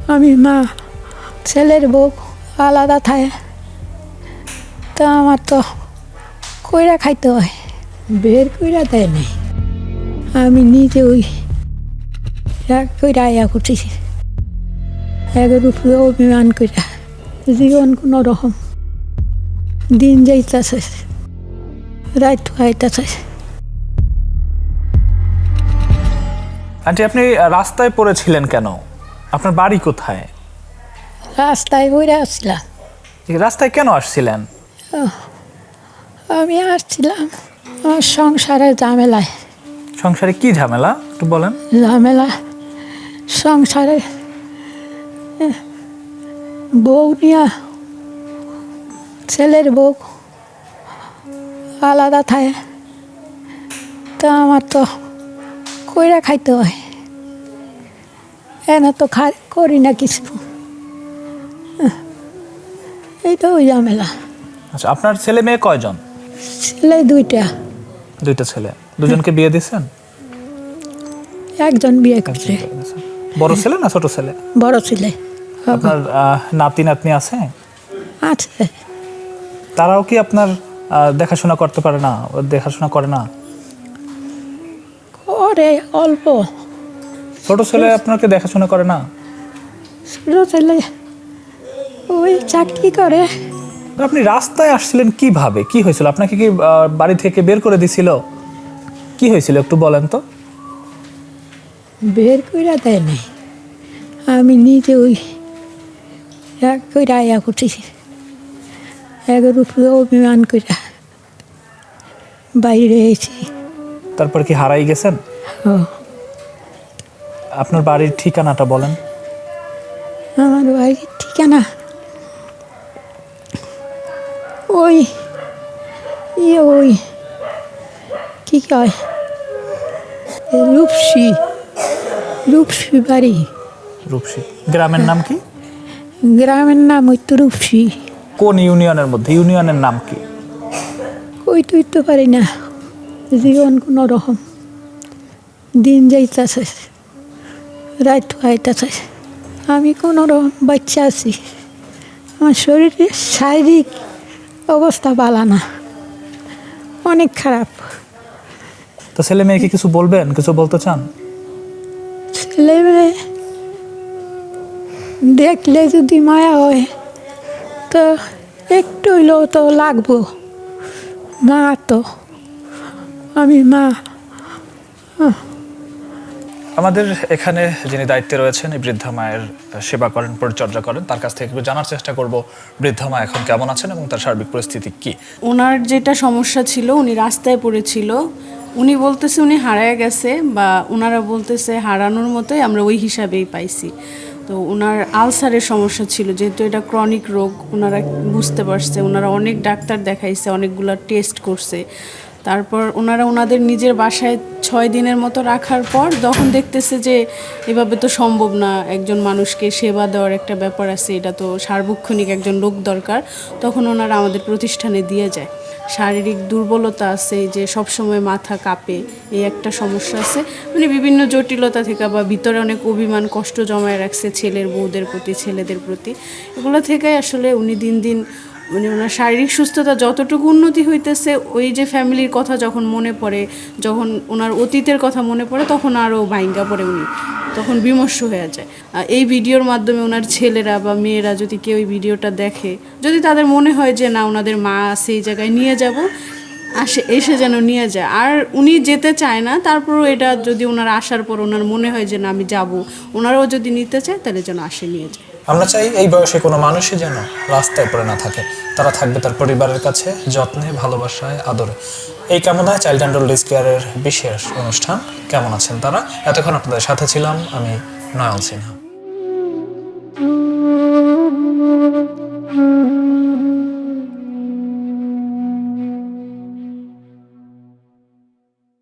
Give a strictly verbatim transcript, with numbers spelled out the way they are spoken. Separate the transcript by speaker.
Speaker 1: আমি মা, ছেলের বউ আলাদা থাকে, তা আমার তো কইরা খাইতে হয়, বের কইরা দেয় নাই। আমি নিজে ওই এক কইরা আয়া করতেছি, একের উপরে অভিমান কইরা জীবন কোনো রকম দিন যাইতেছে, রাত খাইতেছে।
Speaker 2: আন্টি, আপনি রাস্তায় পড়েছিলেন কেন? আপনার বাড়ি কোথায়?
Speaker 1: রাস্তায় বইরা আসছিলাম।
Speaker 2: রাস্তায় কেন আসছিলেন?
Speaker 1: আমি আসছিলাম আমার সংসারের ঝামেলায়।
Speaker 2: সংসারে কি ঝামেলা একটু বলেন।
Speaker 1: ঝামেলা সংসারে বউ নিয়া, ছেলের বউ আলাদা থাকে, তা আমার তো কইরা খাইতে হয়, এনে তো খা করি না কিছু, এই তো ওই ঝামেলা।
Speaker 2: আচ্ছা, আপনার ছেলে মেয়ে কয়জন?
Speaker 1: ছেলে দুইটা।
Speaker 2: দুইটা ছেলে। দুজনকে বিয়ে দিয়েছেন?
Speaker 1: একজন বিয়ে করছে।
Speaker 2: বড় ছেলে না ছোট ছেলে?
Speaker 1: বড় ছেলে।
Speaker 2: আপনার আহ, নাতি নাতনি আছে?
Speaker 1: আছে।
Speaker 2: তারাও কি আপনার আহ, দেখাশোনা করতে পারে না? দেখাশোনা করে না?
Speaker 1: করে অল্প।
Speaker 2: ছোট ছেলে আপনাকে দেখাশোনা করে না?
Speaker 1: ছোট ছেলে ওই চাকরি করে।
Speaker 2: আপনি রাস্তায় আসছিলেন কিভাবে? কি হয়েছিল? আপনাকে কি আহ, বাড়ি থেকে বের করে দিছিল? কি হয়েছিল একটু বলেন তো।
Speaker 1: বের কইরা দেয় নাই, আমি নিজে ওই এক কইরা আয়া করতেছি, একের উপরে অভিমান কইরা বাইরে এসেছি।
Speaker 2: তারপর কি হারাই গেছেন?
Speaker 1: ও,
Speaker 2: আপনার বাড়ির ঠিকানাটা বলেন।
Speaker 1: আমার বাড়ির ঠিকানা ওই ইয়ে ওই কি কয় রূপসী, রূপসী বাড়ি।
Speaker 2: রূপসী। গ্রামের নাম কি?
Speaker 1: গ্রামের নাম ওই তো রূপসী।
Speaker 2: কোন ইউনিয়নের মধ্যে? ইউনিয়নের নাম কি?
Speaker 1: ওই তো তো পারি না, জীবন কোনো রকম দিন যাইতেছে, রাত খাইতেছে। আমি কোনো রকম বাচ্চা আছি, আমার শরীরের শারীরিক অবস্থা ভালো না, অনেক খারাপ।
Speaker 2: তো ছেলে মেয়েকে কিছু বলবেন? কিছু বলতে চান?
Speaker 1: ছেলে মেয়ে দেখলে যদি মায়া হয় তো একটু হইলেও তো লাগবো, মা তো আমি মা।
Speaker 2: আমাদের এখানে যিনি দায়িত্বে রয়েছেন, এই বৃদ্ধা মায়ের সেবা করেন, পরিচর্যা করেন, তার কাছ থেকে একটু জানার চেষ্টা করব বৃদ্ধা মা এখন কেমন আছেন এবং তার সার্বিক পরিস্থিতি কি।
Speaker 3: ওনার যেটা সমস্যা ছিল, উনি রাস্তায় পড়েছিল, উনি বলতেছে উনি হারায় গেছে, বা ওনারা বলতেছে হারানোর মতোই আমরা ওই হিসাবেই পাইছি। তো ওনার আলসারের সমস্যা ছিল, যেহেতু এটা ক্রনিক রোগ ওনারা বুঝতে পারছে, ওনারা অনেক ডাক্তার দেখাইছে, অনেকগুলো টেস্ট করছে। তারপর ওনারা ওনাদের নিজের বাসায় ছয় দিনের মতো রাখার পর যখন দেখতেছে যে এভাবে তো সম্ভব না, একজন মানুষকে সেবা দেওয়ার একটা ব্যাপার আছে, এটা তো সার্বক্ষণিক একজন লোক দরকার, তখন ওনারা আমাদের প্রতিষ্ঠানে দিয়ে যায়। শারীরিক দুর্বলতা আছে, যে সবসময় মাথা কাঁপে, এই একটা সমস্যা আছে, মানে বিভিন্ন জটিলতা থেকে, বা ভিতরে অনেক অভিমান কষ্ট জমায় রাখছে ছেলের বউদের প্রতি, ছেলেদের প্রতি, এগুলো থেকে আসলে উনি দিন দিন মানে ওনার শারীরিক সুস্থতা যতটুকু উন্নতি হইতেছে, ওই যে ফ্যামিলির কথা যখন মনে পড়ে, যখন ওনার অতীতের কথা মনে পড়ে, তখন আরও ভাইঙ্গা পড়ে উনি, তখন বিমর্ষ হয়ে যায়। এই ভিডিওর মাধ্যমে ওনার ছেলেরা বা মেয়েরা যদি কেউ এই ভিডিওটা দেখে, যদি তাদের মনে হয় যে না ওনাদের মা সেই জায়গায় নিয়ে যাব, আসে এসে যেন নিয়ে যায়। আর উনি যেতে চায় না, তারপরও এটা যদি ওনার আসার পর ওনার মনে হয় যে না আমি যাব, ওনারাও যদি নিতে চায় তাহলে যেন আসে নিয়ে যায়।
Speaker 2: আমরা চাই এই বয়সে কোনো মানুষই যেন রাস্তায় পড়ে না থাকে, তারা থাকবে তার পরিবারের কাছে যত্নে, ভালোবাসায়, আদরে। এই কামনায় চাইল্ড অ্যান্ড ওল্ড এজ কেয়ারের বিশেষ অনুষ্ঠান কেমন আছেন তারা। এতক্ষণ আপনাদের সাথে ছিলাম আমি, নয়ন সিনহা।